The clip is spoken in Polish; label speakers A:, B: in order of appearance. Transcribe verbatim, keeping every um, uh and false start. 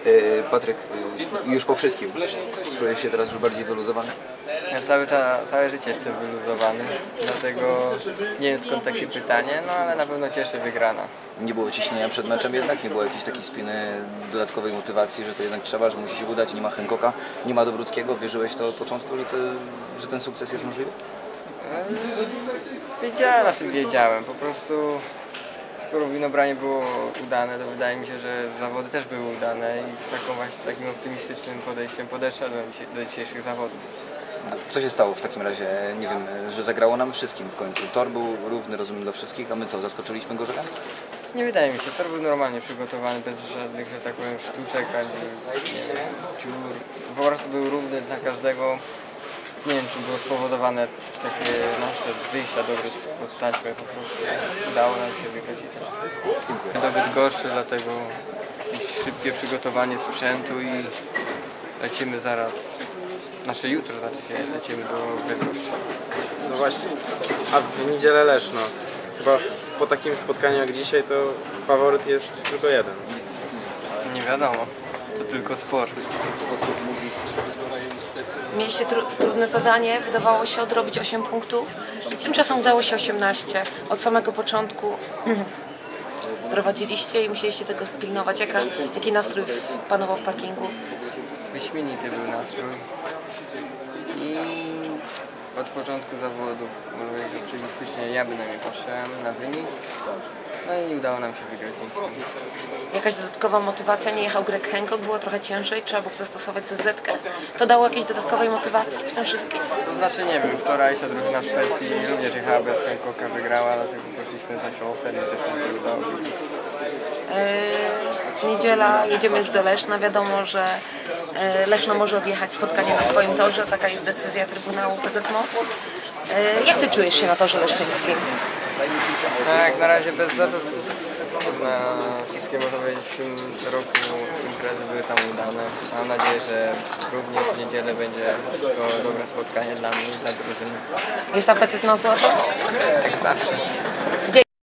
A: Patryk, już po wszystkim, czujesz się teraz już bardziej wyluzowany?
B: Ja cały czas, całe życie jestem wyluzowany, dlatego nie wiem skąd takie pytanie, no ale na pewno cieszy wygrana.
A: Nie było ciśnienia przed meczem jednak? Nie było jakiejś takiej spiny, dodatkowej motywacji, że to jednak trzeba, że musi się udać, nie ma Hancocka, nie ma Dobruckiego? Wierzyłeś to od początku, że, te, że ten sukces jest możliwy?
B: Wiedziałem, na czym wiedziałem, po prostu skoro winobranie było udane, to wydaje mi się, że zawody też były udane i z, taką właśnie, z takim optymistycznym podejściem podeszedłem do dzisiejszych zawodów.
A: Co się stało w takim razie? Nie wiem, że zagrało nam wszystkim w końcu. Tor był równy, rozumiem, dla wszystkich, a my co, zaskoczyliśmy go żelem?
B: Nie wydaje mi się, tor był normalnie przygotowany, bez żadnych, że tak powiem, sztuczek ani nie wiem, dziur. Po prostu był równy dla każdego. Nie wiem, czy było spowodowane takie nasze wyjścia dobre spod taśmy, po prostu udało nam się wygrać i tyle. Zdobyt gorszy, dlatego jakieś szybkie przygotowanie sprzętu i lecimy zaraz, nasze jutro znaczy się, lecimy do Bydgoszczy.
C: No właśnie, a w niedzielę Leszno. Chyba po takim spotkaniu jak dzisiaj to faworyt jest tylko jeden.
B: Nie wiadomo, to tylko sport.
D: Mieliście tru trudne zadanie, wydawało się odrobić osiem punktów, tymczasem udało się osiemnaście. Od samego początku prowadziliście i musieliście tego pilnować. Jaka, jaki nastrój panował w parkingu?
B: Wyśmienity był nastrój i od początku zawodów, może powiedzieć optymistycznie, ja bynajmniej patrzyłem na wynik, no i udało nam się wygrać.
D: Jakaś dodatkowa motywacja? Nie jechał Greg Hancock, było trochę ciężej, trzeba było zastosować zet zetkę. To dało jakieś dodatkowej motywacji w tym wszystkim?
B: To znaczy nie wiem, wczorajsza drużyna w Szwecji również jechała bez Hancocka, wygrała, dlatego poszliśmy za ciosem i zresztą się udało wygrać.
D: Yy, niedziela, jedziemy już do Leszna, wiadomo, że yy, Leszno może odjechać spotkanie na swoim torze, taka jest decyzja Trybunału P Z M O T. Yy, jak ty czujesz się na torze leszczyńskim?
B: Tak, na razie bez zarzutów. Na wszystkie, można powiedzieć, w tym roku imprezy były tam udane. Mam nadzieję, że również w niedzielę będzie to dobre spotkanie dla mnie i dla drużyny.
D: Jest apetyt na złoto?
B: Jak zawsze.
D: Gdzie